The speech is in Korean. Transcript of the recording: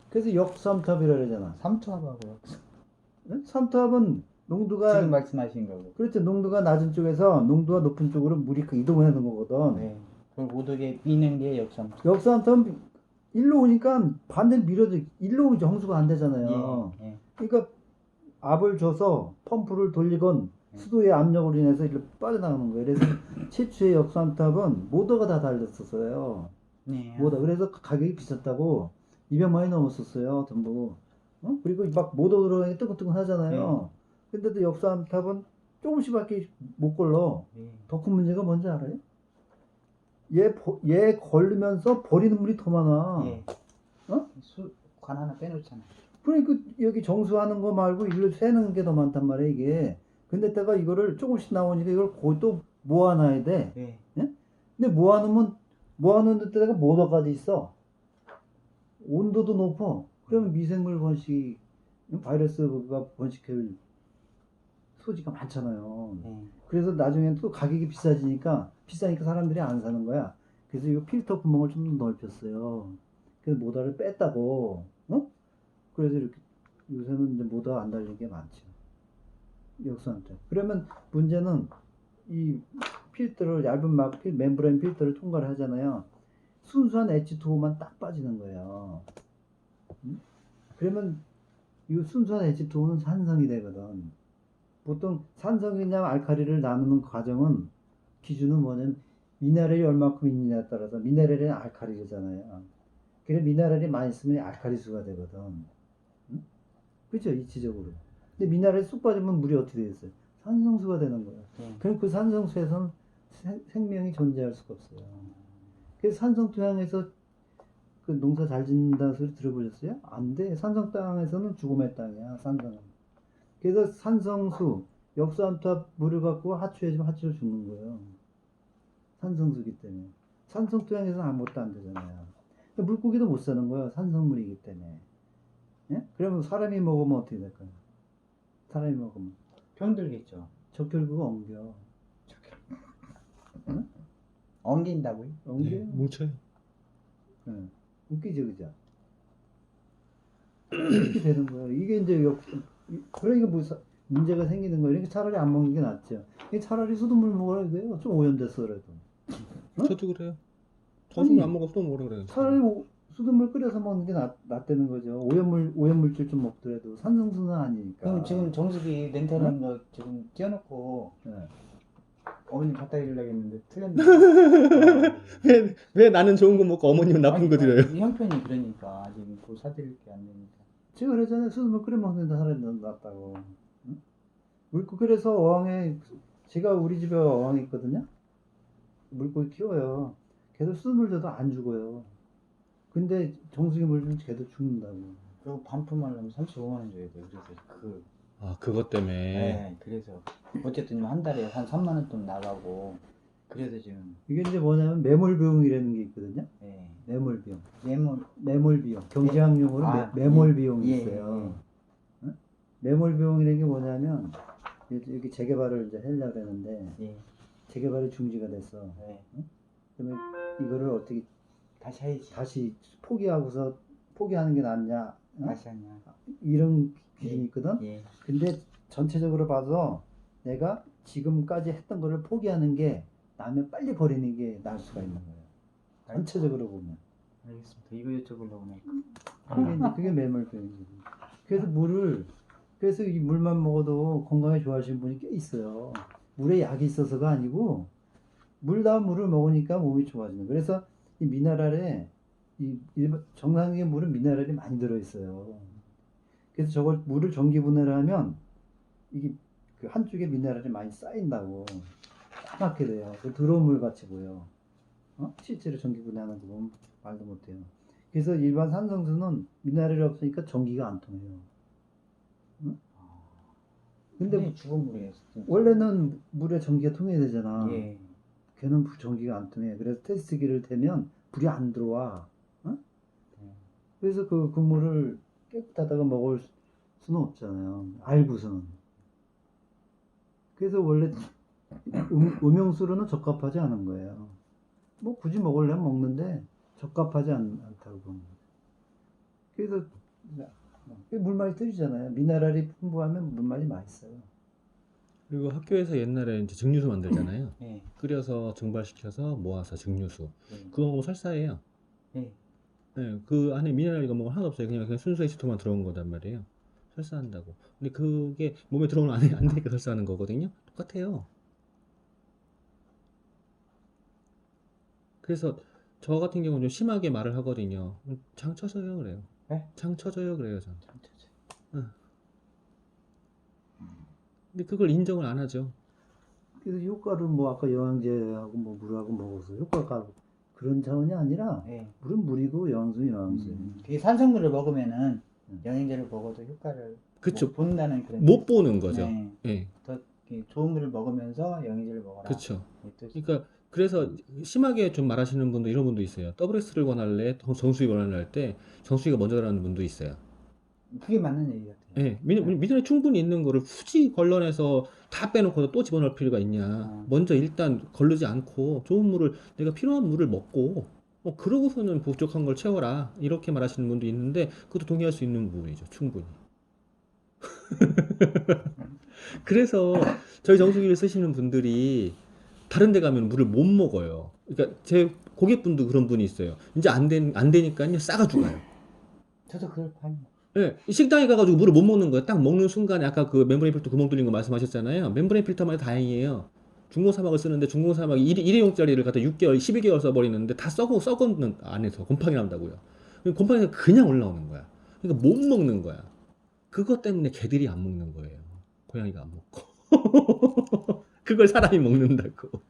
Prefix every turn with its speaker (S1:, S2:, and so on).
S1: 그래서 역삼투압이라 그러잖아.
S2: 삼투압하고요.
S1: 응? 삼투압은 농도가
S2: 지금 말씀하신 거고.
S1: 그렇죠. 농도가 낮은 쪽에서 농도가 높은 쪽으로 물이 이동하는 거거든.
S2: 네. 그걸 못 오게 미는 게 역삼투압.
S1: 역삼투압 일로 오니까 반대로 밀어도 일로 오면 정수가 안 되잖아요.
S2: 예, 예.
S1: 그러니까 압을 줘서 펌프를 돌리건 수도의 압력으로 인해서 이렇게 빠져나가는 거예요. 그래서 최초의 역삼투압은 모터가 다 달렸었어요.
S2: 네.
S1: 모터. 그래서 가격이 비쌌다고 200만 원이 넘었었어요. 전부. 어? 그리고 막 모터 들어가니 뜨끈뜨끈하잖아요. 근데도 역삼투압은 조금씩밖에 못 걸러.
S2: 예.
S1: 더 큰 문제가 뭔지 알아요? 얘 걸리면서 버리는 물이 더 많아.
S2: 예.
S1: 어?
S2: 관 하나 빼놓잖아요.
S1: 그러니까 여기 정수하는 거 말고 일로 새는 게 더 많단 말이야 이게. 근데 내가 이거를 조금씩 나오니까 이걸 거의 또 모아놔야 돼.
S2: 예.
S1: 예? 근데 모아놓는 데다가 모터까지 있어. 온도도 높아. 그러면 미생물 번식, 바이러스가 번식할 소지가 많잖아요. 그래서 나중에 또 가격이 비싸니까 사람들이 안 사는 거야. 그래서 이 필터 구멍을 좀 더 넓혔어요. 그래서 모터를 뺐다고. 어? 그래서 이렇게 요새는 이제 모터 안 달린 게 많죠. 역수한테. 그러면 문제는 이 필터를 얇은 멤브레인 필터를 통과를 하잖아요. 순수한 H2O만 딱 빠지는 거예요. 그러면 이 순수한 H2O는 산성이 되거든. 보통 산성이냐 알칼리를 나누는 과정은 기준은 뭐냐면 미네랄이 얼마큼 있느냐에 따라서 미네랄이 알칼리잖아요. 그래 미네랄이 많이 있으면 알칼리수가 되거든. 응? 그렇죠 이치적으로. 근데 미네랄이 쑥 빠지면 물이 어떻게 되겠어요? 산성수가 되는 거예요. 그럼 그 산성수에서는 생명이 존재할 수가 없어요. 그래서 산성 토양에서 그 농사 잘 짓는다는 소리 들어보셨어요? 안 돼. 산성 땅에서는 죽음의 땅이야. 산성은. 그래서 산성수, 역수암투압 물을 갖고 하추해주면 하추로 죽는 거예요. 산성수기 때문에. 산성 토양에서는 아무것도 안 되잖아요. 물고기도 못 사는 거예요. 산성물이기 때문에. 예? 그러면 사람이 먹으면 어떻게 될까요? 사람이 먹으면.
S2: 병들겠죠.
S1: 적혈구가 엉겨. 응?
S2: 엉긴다고요?
S1: 엉겨?
S3: 네, 뭉쳐요.
S1: 응. 웃기죠, 그죠? 이렇게 되는 거예요. 이게 이제 그러니까 문제가 생기는 거예요. 그러니까 차라리 안 먹는 게 낫죠. 차라리 수돗물 먹으라 이거예요. 좀 오염됐어 그래도. 어?
S3: 저도 그래요. 저도 안 먹어도 뭐라 그래요.
S1: 차라리 수돗물 끓여서 먹는 게 낫다는 거죠. 오염물질 좀 먹더라도 산성수는 아니니까.
S2: 그럼 지금 정수기 렌탈한 거 지금 띄워놓고
S1: 네.
S2: 어머님 갖다 드리려고 했는데 틀렸네.
S3: 왜 나는 좋은 거 먹고 어머님은 나쁜 거 드려요?
S2: 이 형편이 그러니까 지금 그걸 사드릴 게 안 되니까.
S1: 제가 그랬잖아요. 수돗물 끓여 먹는 데 사람이 낫다고. 응? 그래서 어항에 제가 우리 집에 어항이 있거든요. 물고기 키워요. 걔도 수돗물 줘도 안 죽어요. 근데 정수기 물 주면 걔도 죽는다고.
S2: 그리고 반품하려면 35만 원 줘야 돼요. 그래서
S3: 그것 때문에.
S2: 네, 그래서 어쨌든 한 달에 한 3만 원 돈 나가고 그래서 지금
S1: 이게 이제 뭐냐면 매몰 비용이라는 게 있거든요.
S2: 네.
S1: 매몰 비용.
S2: 매몰
S1: 매몰 비용. 경제학용어로 매몰 비용이 있어요. 응? 매몰 비용이라는 게 뭐냐면 여기 재개발을 이제 하려고 했는데 재개발이 중지가 됐어. 응? 그러면 이거를 어떻게
S2: 다시 해야지.
S1: 다시 포기하는 게 낫냐? 응?
S2: 다시 하냐.
S1: 이런 기준이 있거든.
S2: 예.
S1: 근데 전체적으로 봐서 내가 지금까지 했던 거를 포기하는 게 나면 빨리 버리는 게 나을 수가 있는 거예요. 전체적으로 보면.
S2: 알겠습니다. 이거 여쭤보려고
S1: 그게 매몰병이지. 그래서 이 물만 먹어도 건강에 좋아하시는 분이 꽤 있어요. 물에 약이 있어서가 아니고 물을 먹으니까 몸이 좋아지는 거예요. 그래서 이 미네랄에 정상적인 물은 미네랄이 많이 들어있어요. 그래서 저걸 물을 전기 분해를 하면 이게 그 한쪽에 미네랄이 많이 쌓인다고 까맣게 돼요. 더러운 물 같이 보여. 실제로 전기 분해하는 거 보면 말도 못해요. 그래서 일반 산성수는 미네랄이 없으니까 전기가 안 통해요. 응? 근데
S2: 죽은 물이에요.
S1: 원래는 물에 전기가 통해야 되잖아.
S2: 예.
S1: 걔는 전기가 안 통해. 그래서 테스트기를 대면 불이 안 들어와. 그래서 그 물을 깨끗하다가 먹을 수는 없잖아요. 알고서는. 그래서 원래 음용수로는 적합하지 않은 거예요. 뭐 굳이 먹으려면 먹는데 적합하지 않다고 보는 거예요. 그래서 물맛이 떨어지잖아요. 미네랄이 풍부하면 물맛이 맛있어요.
S3: 그리고 학교에서 옛날에 이제 증류수 만들잖아요.
S2: 예.
S3: 끓여서 증발시켜서 모아서 증류수.
S2: 예.
S3: 그거 먹으면 설사해요.
S2: 예.
S3: 네, 그 안에 미네랄 이거 뭐 하나도 없어요. 그냥 순수 H2만 들어온 거단 말이에요. 설사한다고. 근데 그게 몸에 들어오면 안 되니까 설사하는 거거든요. 똑같아요. 그래서 저 같은 경우는 좀 심하게 말을 하거든요. 장 쳐져요 그래요.
S2: 네?
S3: 장 쳐져요 그래요 전.
S2: 참치지.
S3: 근데 그걸 인정을 안 하죠.
S1: 그래서 효과를 뭐 아까 영양제하고 뭐 물하고 먹어서 효과가 그런 차원이 아니라
S2: 예.
S1: 물은 물이고 영양소는 영양소.
S2: 그게 산성물을 먹으면은
S1: 음.
S2: 영양제를 먹어도 효과를
S3: 그쵸.
S2: 못 본다는 그런
S3: 못 보는 거죠.
S2: 네.
S3: 예.
S2: 더 좋은 물을 먹으면서 영양제를 먹어라.
S3: 그렇죠.
S2: 이 뜻이.
S3: 그러니까 그래서 심하게 좀 말하시는 분도 이런 분도 있어요. WS를 권할래, 정수기 권할래 때 정수기가 먼저 들어가는 분도 있어요.
S2: 그게 맞는 얘기 같아요.
S3: 예, 미네랄 충분히 있는 거를 굳이 걸러내서 다 빼놓고 또 집어넣을 필요가 있냐. 먼저 일단 걸르지 않고 좋은 물을 내가 필요한 물을 먹고 그러고서는 부족한 걸 채워라. 이렇게 말하시는 분도 있는데 그것도 동의할 수 있는 부분이죠. 충분히. 그래서 저희 정수기를 쓰시는 분들이 다른 데 가면 물을 못 먹어요. 그러니까 제 고객분도 그런 분이 있어요. 이제 안 되니까요. 싸가지고 가요.
S2: 저도 그걸 봐요.
S3: 예, 식당에 가가지고 물을 못 먹는 거예요. 딱 먹는 순간에 아까 그 멤브레인 필터 구멍 뚫린 거 말씀하셨잖아요. 멤브레인 필터만 해도 다행이에요. 중공 사막을 쓰는데 중공 사막이 일회용짜리를 갖다 6개월, 12개월 써버리는데 다 썩은 안에서 곰팡이 난다고요. 곰팡이가 그냥 올라오는 거야. 그러니까 못 먹는 거야. 그것 때문에 개들이 안 먹는 거예요. 고양이가 안 먹고. 그걸 사람이 먹는다고.